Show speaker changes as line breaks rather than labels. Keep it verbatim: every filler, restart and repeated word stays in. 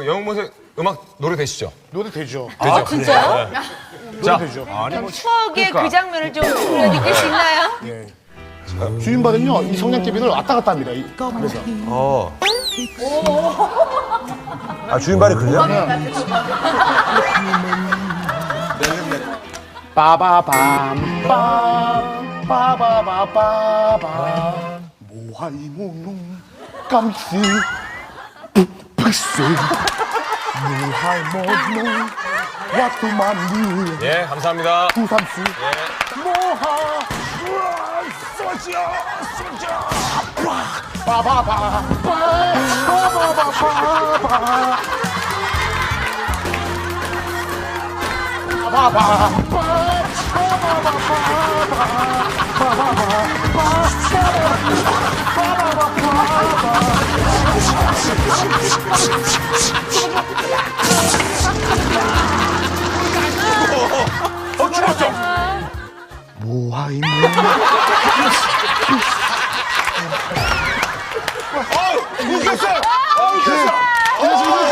그 영웅모세 음악 노래 되시죠?
노래 되죠.
되죠?
아, 진짜요?
자,
되죠.
아니 뭐
추억의
그러니까.
그 장면을 좀 불러드릴 수 있나요?
예. 주인발은요, 이 성냥개비를 왔다 갔다 합니다. 이- 그래서.
어. 아 주인발이 그래요?
빠바밤 빰 빠바바바밤 모하이모농 깜시 푹푹세 모하이모농 와투만리
예, 감사합니다.
구삼시 모하 쏘지요 쏘지요 빠바바 빠바바바바
어, 죽었죠?
모하이모
어, 웃겼어요. 어, 웃겼어.
안녕하십니까.